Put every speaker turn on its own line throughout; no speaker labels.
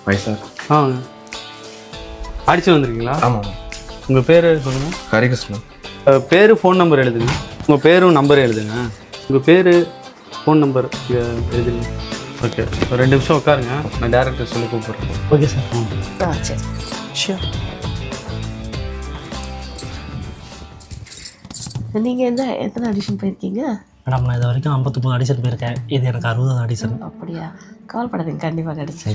Sir.
அடிச்சு வந்திருக்கீங்களா?
ஆமாம்.
உங்கள் பேர் சொல்லுங்கள்.
ஹரிகிருஷ்ணன்.
பேர் ஃபோன் நம்பர் எழுதுங்க. உங்கள் பேரும் நம்பர் எழுதுங்க. உங்கள் பேர் ஃபோன் நம்பர் எழுதுங்க. ஓகே, ஒரு 2 நிமிஷம் உட்காருங்க, நான் டேரக்டர் சொல்லி கூப்பிட்றேன்.
Okay sir.
சரி ஷியோர். நீங்கள் எத்தனை ஆடிஷன் போயிருக்கீங்க?
மேடம் நான் இது வரைக்கும் 59 ஆடிஷன் போயிருக்கேன். இது எனக்கு 60வது ஆடிஷன்.
அப்படியா? கவலைப்படாதீங்க, கண்டிப்பாக கிடச்சி.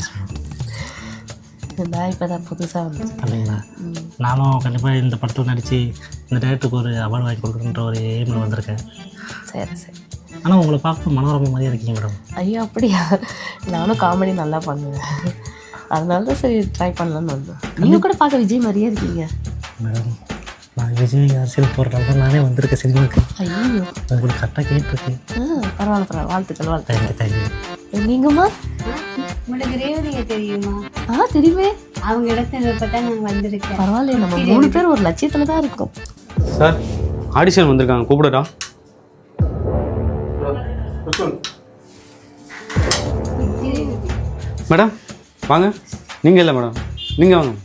நான் இப்போ தான் புதுசாக வந்தேன்.
அப்படிங்களா? நானும் கண்டிப்பாக இந்த படத்தில் நடித்து இந்த டேரக்டருக்கு ஒரு அவார்டு வாங்கி கொடுக்குறன்ற ஒரு எய்மில் வந்திருக்கேன்.
சரி சரி.
ஆனால் உங்களை பார்க்க மனோரமா மாதிரியே இருக்கீங்க மேடம்.
ஐயோ அப்படியா? நானும் காமெடி நல்லா பண்ணுவேன், அதனால தான் சரி ட்ரை பண்ணலான்னு வந்தேன். நீங்கள் கூட பார்க்க விஜய் மாதிரியே இருக்கீங்க.
மேடம் நான் விஜய் அரசியல் போகிறதால தான் நானே வந்திருக்கேன் சினிமாவுக்கு.
ஐயோ
உங்களுக்கு கரெக்டாக கேட்டுருக்கு.
பரவாயில்ல, வாழ்த்துக்கள் வாழ்த்துக்கள்.
தேங்க்யூ.
நீங்கம்மா?
உங்களுக்கு ரேவதியை தெரியுமா?
தெரியுமே.
அவங்க இடத்துல பார்த்தா நாங்கள் வந்திருக்கேன்.
பரவாயில்லையே, நம்ம 3 பேர் ஒரு லட்சியத்தில் தான் இருக்கோம்.
சார் ஆடிஷன் வந்திருக்காங்க, கூப்பிடுறா. மேடம் வாங்க. நீங்கள் இல்லை மேடம், நீங்கள் வாங்க.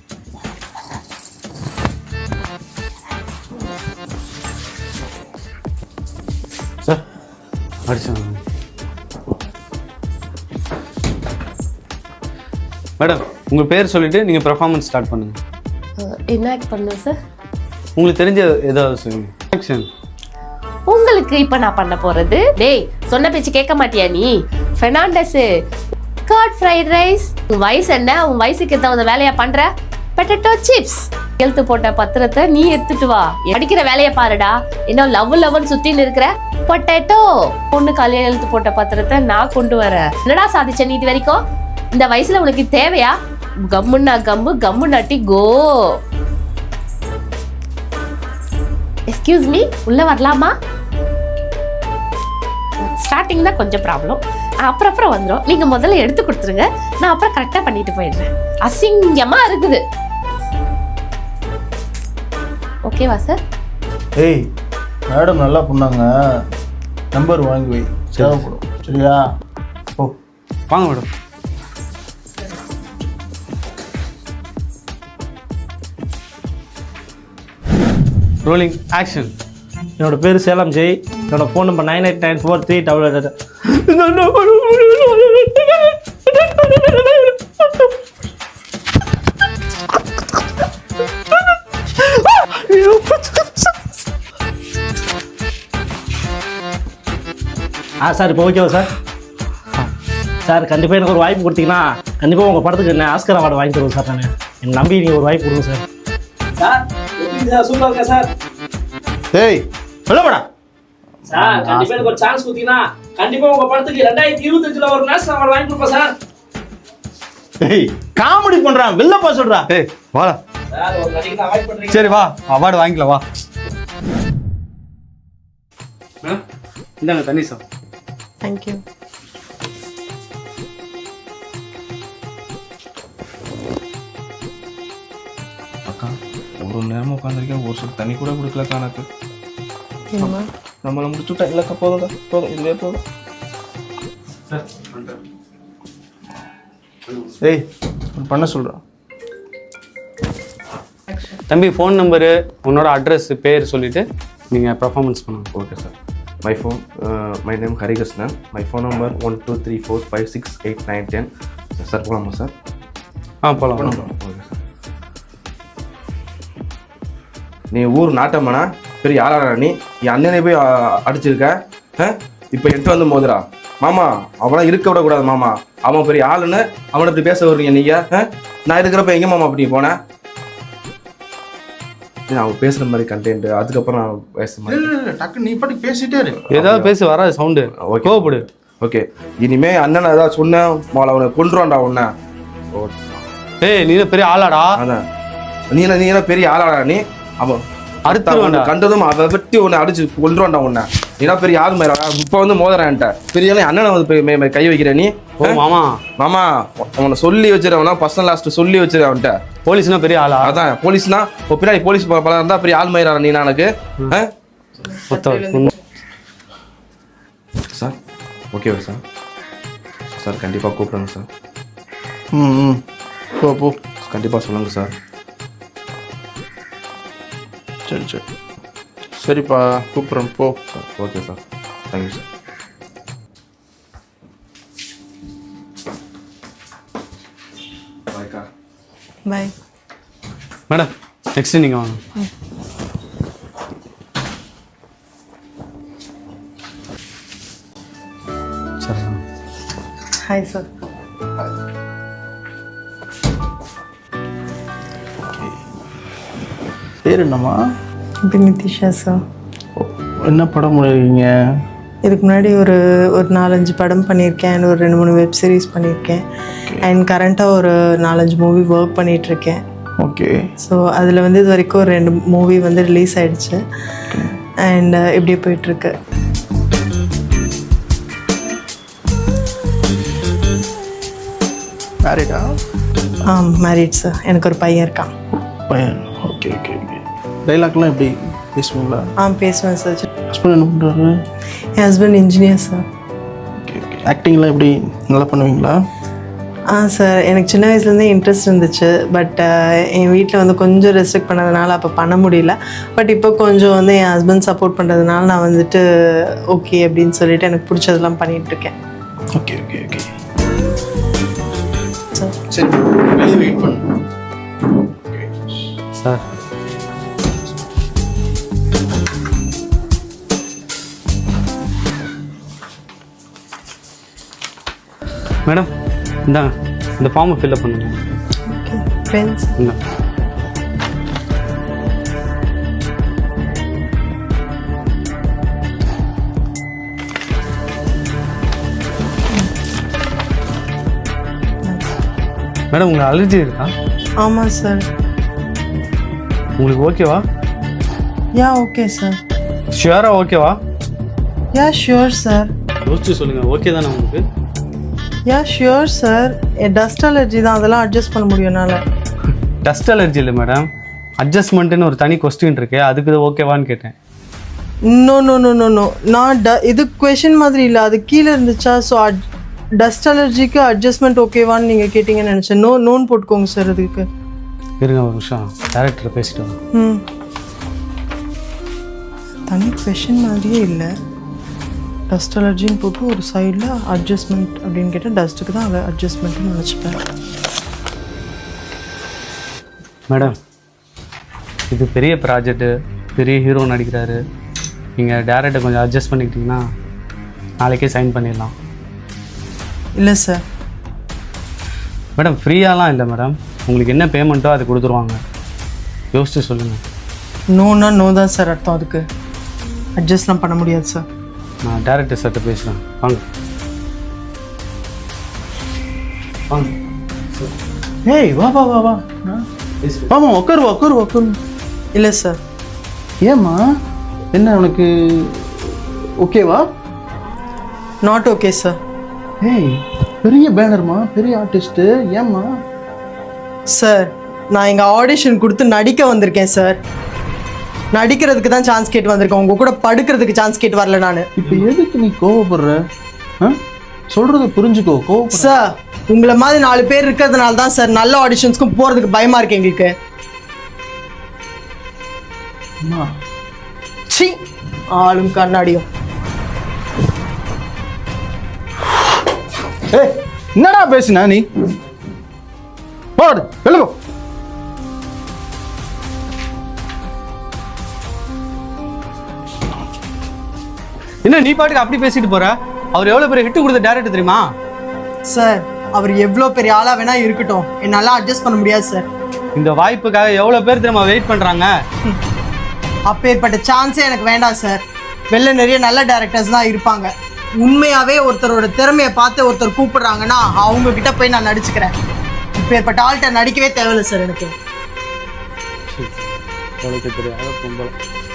சார் ஆடிஷன் மேடம், உங்கள் பேர் சொல்லிவிட்டு நீங்கள் பெர்ஃபார்மன்ஸ் ஸ்டார்ட் பண்ணுங்கள்.
என்ன ஆக்ட் பண்ணுவேன் சார்?
உங்களுக்கு தெரிஞ்ச ஏதாவது சொல்லுங்கள். ஆக்ஷன்.
உங்களுக்கு இப்போ நான் பண்ண போகிறது, டேய் சொன்ன பேச்சு கேட்க மாட்டியா நீ? Fernandes got fried rice. உன் வயசு என்ன? உன் வயசுக்கு ஏதாவது வேலையா பண்ற? Potato chips. எழுத்து போட்ட பத்திரத்தை நீ எடுத்துட்டு வா, படிக்கிற வேலையை பாருடா. இன்னும் லவ்னு சுத்தின்னு இருக்கிற. பொட்டேட்டோ பொண்ணு காலையில எழுத்து போட்ட பத்திரத்தை நான் கொண்டு வரேன். என்னடா சாதிச்ச நீ இது வரைக்கும்? இந்த வயசுல உனக்கு தேவையா? கம்முன்னா கம்பு, கம்மு நாட்டி கோ. எக்ஸ்கியூஸ் மீ, உள்ள வரலாமா? ஸ்டார்டிங் தான் கொஞ்சம் ப்ராப்ளம், அப்புறம் வந்துடும். நீங்க முதல்ல எடுத்து கொடுத்துருங்க, நான் அப்புறம் கரெக்டா பண்ணிட்டு போயிடுறேன். அசிங்கமா இருக்குது. ஓகேவா சார்?
ஏய் மேடம் நல்லா பண்ணாங்க, நம்பர் வாங்கி வை, தேவைப்படும். சரியா? ஓ
வாங்க மேடம். Rolling action.
என்னோட பேர் சேலம் ஜெய். என்னோட ஃபோன் நம்பர் 989438. சார் இப்போ ஓகேவா சார்? சார் கண்டிப்பாக எனக்கு ஒரு வாய்ப்பு கொடுத்தீங்கன்னா கண்டிப்பாக உங்கள் படத்துக்கு என்ன ஆஸ்கர் அவார்டு வாங்கி தருவோம் சார். நான் என்னை நம்பி நீங்கள் ஒரு வாய்ப்பு கொடுங்க சார். சார் சூப்பராக இருக்கா சார்?
ஏய் சொல்லப்படா
சார் கண்டிப்பா எனக்கு ஒரு சான்ஸ் கொடுத்தீங்கன்னா கண்டிப்பா உங்க படத்துக்கு 2025ல ஒரு நேஷனல் அவார்டு வாங்கி கொடுப்பேன் சார்.
ஏய் காமெடி பண்றான், வெளிலப்பா சொல்றா.
ஏய் வாடா.
சார் ஒரு நடிகை அவாய்ட் பண்றீங்க.
சரி வா, அவார்டு வாங்கிக்கலாம் வா. இந்தாங்க தண்ணி சார்.
தேங்க்யூ.
அக்கா ஒரு நேரமாக உட்காந்துருக்கேன், ஒரு சொல் தண்ணி கூட கொடுக்கலக்கா எனக்கு. நம்மளை முடிச்சுட்டா இல்லைக்கா, போதும்க்கா போதும், இதுவே போதும்.
ஏய் பண்ண சொல்றான்.
தம்பி ஃபோன் நம்பரு, உன்னோட அட்ரஸ், பேர் சொல்லிவிட்டு நீங்கள் பெர்ஃபார்மன்ஸ் பண்ணுங்க.
Okay sir. My name Harikrishnan. My phone number 1234568910. Sir போகலாமா சார்?
போகலாம்.
Okay sir. நீ ஊர் நாட்டம்மனா, பெரிய ஆளாடா நீ. என் அண்ணனை போய் அடிச்சிருக்க. இப்போ என்கிட்ட வந்து மோதுரா மாமா. அவனா இருக்க விடக்கூடாது மாமா, அவன் பெரிய ஆளுன்னு அவனை இப்படி பேச வர்றீங்க நீங்க. நான் இருக்கிறப்ப எங்க மாமா அப்படி போனேன்? அவன் பேசுற மாதிரி கண்டென்ட், அதுக்கப்புறம் நான் பேச மாதிரி
டக்கு நீ பாட்டுக்கு பேசிட்டே இரு.
ஏதாவது பேசி வராது சவுண்டு. கோவப்படு.
ஓகே, இனிமே அண்ணன் ஏதாவது சொன்னேன் அவனை கொண்டுருவான்டா உன்ன.
ஏய் நீ பெரிய ஆளாடா.
அதான் நீ பெரிய ஆளாடா நீ. அவன்
அடுத்து
கண்டதும் அதை வெட்டி உன்னை அடிச்சு கொண்டுருவான்டா உன்னை. நீனா பெரிய ஆள் மாதிரி இப்போ வந்து மோதுறான்ட்ட பெரிய அண்ணனை வந்து கை வைக்கிற நீ.
மாமா
மாமா அவனை சொல்லி வச்சிருவனா, பர்சனல் லாஸ்ட் சொல்லி வச்சிரு அவன்கிட்ட.
போலீஸ்னா பெரிய ஆளா?
அதான் போலீஸ்னா இப்போ பின்னாடி போலீஸ் பல இருந்தா பெரிய ஆள் மயிரா நீ. எனக்கு சார் ஓகேவா சார்? சார் கண்டிப்பாக கூப்பிடுங்க சார்.
போ போ.
கண்டிப்பாக சொல்லுங்கள் சார்.
சரி சரி சரிப்பா, கூப்பிட்றேன் போ.
Okay sir, thank you sir. பாய்க்கா.
பாய்.
மேடம் நெக்ஸ்ட் நீங்கள் வாங்க. சரி.
Hi sir.
பேர் என்னம்மா?
இது நிதிஷா சார்.
என்ன படம் பண்ணிருக்கீங்க?
இதுக்கு முன்னாடி ஒரு 4-5 படம் பண்ணியிருக்கேன், ஒரு 2-3 வெப் சீரிஸ் பண்ணியிருக்கேன், அண்ட் கரண்ட்டாக ஒரு 4-5 மூவி ஒர்க் பண்ணிகிட்ருக்கேன்.
ஓகே.
ஸோ அதில் வந்து இது வரைக்கும் ஒரு 2 மூவி வந்து ரிலீஸ் ஆகிடுச்சு அண்ட் இப்படியே போயிட்டுருக்கு.
மேரிடா?
Married sir. எனக்கு ஒரு பையன் இருக்கான்.
பையன். Okay okay okay. டைலாக்லாம் எப்படி பேசுவீங்களா?
பேசுவேன் சார்.
ஹஸ்பண்ட் என்ன பண்ணுறாரு?
என் husband engineer sir.
Okay okay. ஆக்டிங்லாம் எப்படி நல்லா பண்ணுவீங்களா?
சார் எனக்கு சின்ன வயசுலேருந்தே இன்ட்ரெஸ்ட் இருந்துச்சு. பட் என் வீட்டில் வந்து கொஞ்சம் ரெஸ்ட்ரிக்ட் பண்ணதுனால அப்போ பண்ண முடியல. பட் இப்போ கொஞ்சம் வந்து என் ஹஸ்பண்ட் சப்போர்ட் பண்ணுறதுனால நான் வந்துட்டு ஓகே அப்படின்னு சொல்லிட்டு எனக்கு பிடிச்சதெல்லாம் பண்ணிகிட்ருக்கேன்.
Okay okay okay
sir.
சரி, வெளியே வெயிட் பண்ணு.
சார் மேடம் இந்தாங்க, இந்த ஃபார்மை ஃபில்அப் பண்ணுங்க.
Okay friends.
இந்தா. மேடம் உங்களுக்கு அலர்ஜி இருக்கா?
ஆமாம் சார்.
உங்களுக்கு ஓகேவா?
Yeah okay sir.
ஷியூராக ஓகேவா?
Yeah sure sir.
யோசிச்சு சொல்லுங்கள். ஓகே தானே உங்களுக்கு?
Yeah sure sir. Dust allergy தான், அதெல்லாம் அட்ஜஸ்ட் பண்ண முடியும் என்னால்.
டஸ்ட் அலர்ஜி இல்லை மேடம், அட்ஜஸ்ட்மெண்ட்டுன்னு ஒரு தனி கொஸ்டின் இருக்கு, அதுக்கு ஓகேவான்னு கேட்டேன்.
No no no no no நான் இது கொஷின் மாதிரி இல்லை, அது கீழே இருந்துச்சா. ஸோ டஸ்ட் அலர்ஜிக்கு அட்ஜஸ்ட்மெண்ட் ஓகேவான்னு நீங்கள் கேட்டிங்கன்னு நினச்சேன். நோன் போட்டுக்கோங்க சார் அதுக்கு.
இருங்க ஒரு நிமிஷம், டேரக்டரை பேசிட்டு வரேன்.
தனி கொஷின் மாதிரியே இல்லை. டஸ்ட் அலர்ஜின்னு போட்டு ஒரு சைடில் அட்ஜஸ்ட்மெண்ட் அப்படின்னு கேட்டால் டஸ்ட்டுக்கு தான் அதை அட்ஜஸ்ட்மெண்ட்னு நினச்சிப்பேன்.
மேடம் இது பெரிய ப்ராஜெக்ட்டு, பெரிய ஹீரோ நடிக்கிறாரு, நீங்கள் டேரக்டரை கொஞ்சம் அட்ஜஸ்ட் பண்ணிக்கிட்டிங்கன்னா நாளைக்கே சைன் பண்ணிடலாம்.
இல்லை சார்.
மேடம் ஃப்ரீயாலாம் இல்லை மேடம், உங்களுக்கு என்ன பேமெண்ட்டோ அது கொடுத்துருவாங்க. யோசிச்சு சொல்லுங்கள்.
நோனா நோ தான் சார் அர்த்தம். அதுக்கு அட்ஜஸ்ட்லாம் பண்ண முடியாது சார்.
நான் டேரக்டர் சார்கிட்ட பேசுகிறேன். வாங்க வாங்க.
ஏய் வா வா வா வா. ஆமா உட்காரு உட்காரு உட்காரு.
இல்லை சார்.
ஏம்மா என்ன உனக்கு ஓகேவா?
Not okay sir.
ஏய் பெரிய பேனர்மா, பெரிய ஆர்டிஸ்ட்டு, ஏம்மா?
சார் நான் இங்கே ஆடிஷன் கொடுத்து நடிக்க வந்திருக்கேன் சார். நடிக்கிறதுக்கு தான் சான்ஸ் கேட்டு வந்திருக்கேன், உங்கள் கூட படுக்கிறதுக்கு சான்ஸ் கேட்டு வரல நான்.
இப்போ எதுக்கு நீ கோவப்படுற? சொல்கிறத புரிஞ்சுக்கோ. கோவப்பட
சார் உங்களை மாதிரி 4 பேர் இருக்கிறதுனால தான் சார் நல்ல ஆடிஷன்ஸ்க்கும் போகிறதுக்கு பயமாக இருக்கு எங்களுக்கு.
அம்மா
சி ஆளும் கண்ணாடியும்.
ஏய் என்னடா பேசுனா நீ? போடு வெளில போ.
என்ன நீ பாட்டுக்கு அப்படி பேசிட்டு போற? அவர் எவ்வளோ பெரிய ஹிட் கொடுத்த டேரக்டர் தெரியுமா?
சார் அவர் எவ்வளோ பெரிய ஆளாக வேணா இருக்கட்டும், என்னால் அட்ஜஸ்ட் பண்ண முடியாது சார்.
இந்த வாய்ப்புக்காக எவ்வளோ பேர் தெரியுமா வெயிட் பண்ணுறாங்க?
அப்பேற்பட்ட சான்ஸே எனக்கு வேண்டாம் சார். வெளில நிறைய நல்ல டேரக்டர்ஸ் தான் இருப்பாங்க. உண்மையாகவே ஒருத்தரோட திறமையை பார்த்து ஒருத்தர் கூப்பிடுறாங்கன்னா அவங்க கிட்ட போய் நான் நடிச்சுக்கிறேன். இப்பேற்பட்ட ஆள்கிட்ட நடிக்கவே தேவையில்லை சார் எனக்கு.
தெரியாத பொம்பளை.